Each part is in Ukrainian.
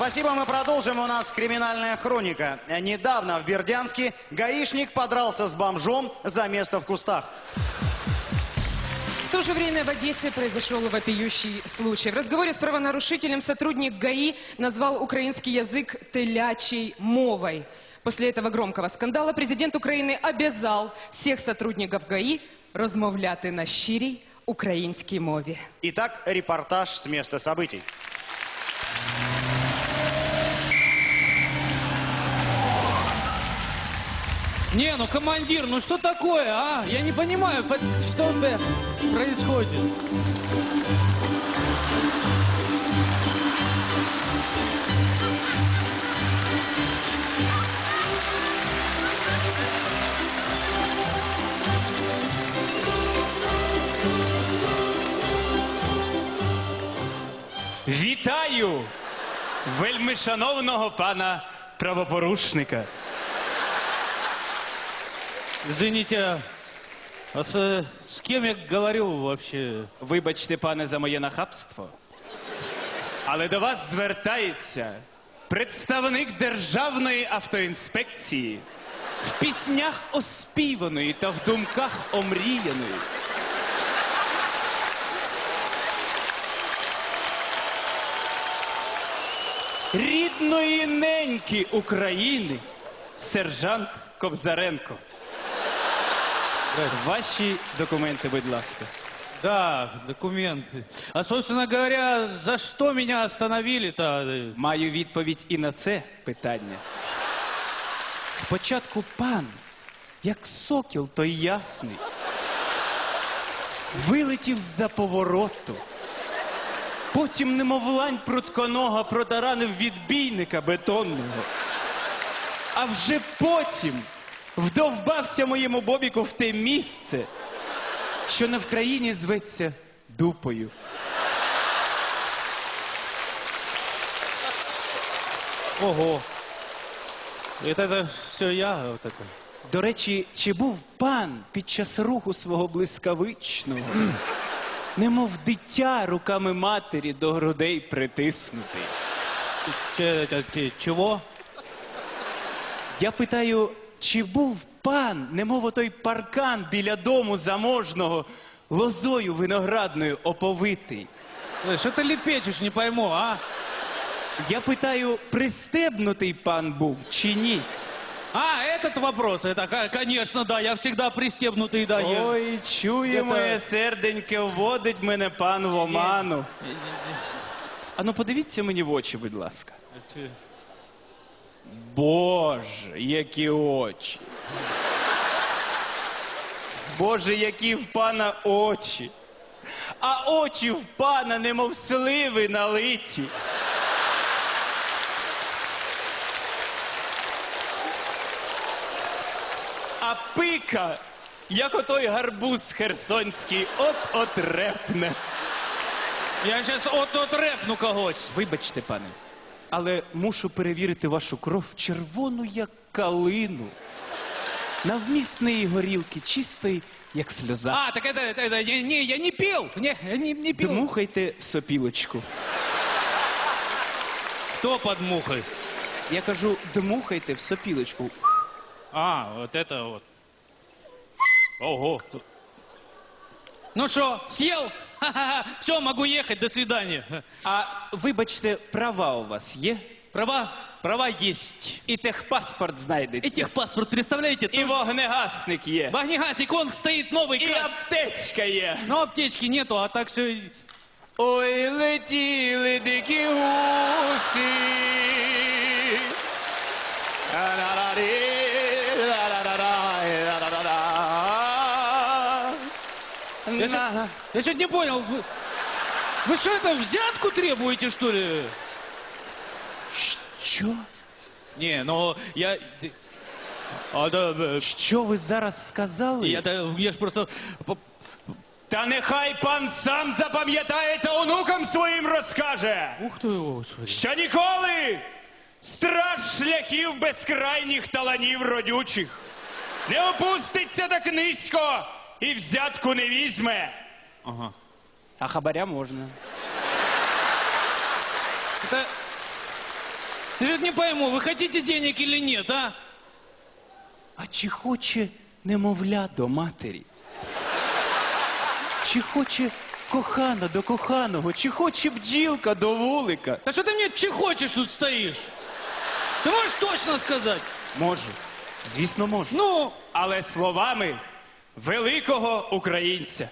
Спасибо, мы продолжим. У нас криминальная хроника. Недавно в Бердянске гаишник подрался с бомжом за место в кустах. В то же время в Одессе произошел вопиющий случай. В разговоре с правонарушителем сотрудник ГАИ назвал украинский язык «телячей мовой». После этого громкого скандала президент Украины обязал всех сотрудников ГАИ розмовляти на щирій українській мові. Итак, репортаж с места событий. Не, ну командир, ну что такое, а? Я не понимаю, что происходит. Вітаю вельмишановного пана правопорушника. Извините, а с кем я говорю вообще? Вибачте, пане, за моє нахабство. Але до вас звертається представник Державної автоінспекції, в піснях оспіваної та в думках омріяної. Рідної неньки України, сержант Кобзаренко. Ваші документи, будь ласка. Да, документы. А, собственно говоря, за что меня остановили-то? Маю відповідь і на це питання. Спочатку пан, як сокіл той ясний, вилетів з-за повороту. Потім, немов лань прутконога, протаранив відбійника бетонного. А вже потім вдовбався моєму бобіку в те місце, що на Вкраїні зветься дупою. Ого. Это все я вот это. До речі, чи був пан під час руху свого блискавичного, немов дитя руками матері до грудей притиснутий? Чего? Я питаю, чи був пан, немов отой паркан біля дому заможного, лозою виноградною оповитий? Что ты лепечешь, не пойму, а? Я питаю, пристебнутий пан був чи ні? А, этот вопрос, это, конечно, да, я всегда пристебнутый, да. Ой, чує моє серденьке, вводить мене пан в оману. А ну подивіться мені в очі, будь ласка. Боже, які очі. Боже, які в пана очі. А очі в пана, немов сливи налиті. А пика, як отой гарбуз херсонський, от-от репне. Я сейчас от репну когось. Вибачте, пане, але мушу перевірити вашу кров червону, як калину. На вміст неї горілки чистої, як сльоза. А, так это не, я не пил, не пил. Дмухайте в сопілочку. Кто под мухой? Я кажу, дмухайте в сопілочку. А, вот это вот. Ого. Ну что, съел? Ха-ха-ха. Все, могу ехать, до свидания. А вибачте, права у вас є? Права есть. І техпаспорт И знайдеться. техпаспорт, представляете? І вогнегасник є. Вогнегасник, он стоит новый. І аптечка є. Но аптечки нету, а так все... Ой, летіли дикі гусі. Я что-то не понял. Вы что это, взятку требуете, что ли? Що? Не, ну, я... А, да, Що ви зараз сказали? я ж просто... Та нехай пан сам запам'ятає та онукам своїм розкаже, Ух ты, господи. що ніколи страж шляхів безкрайніх таланів родючих не опуститься так низько і взятку не візьме. Ага. А хабаря можна. Я же не пойму, вы хотите денег или нет, а? А чи хоче немовля до матері? Чи хоче кохана до коханого? Чи хоче бджілка до вулика? Да что ты мне чехочешь тут стоишь? Ты можешь точно сказать? Можу. Звісно, можу. Ну, Але словами великого українця.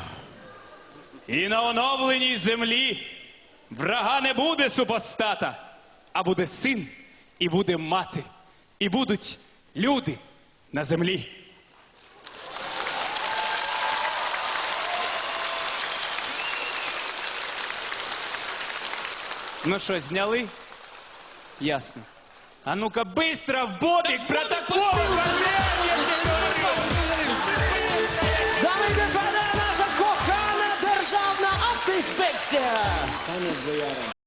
І на оновленій землі врага не буде супостата, а буде син, і буде мати, і будуть люди на землі. Ну що, зняли? Ясно. А ну-ка, быстро в бобик, протокол! Дамы и господа, наша кохана державна автоінспекція.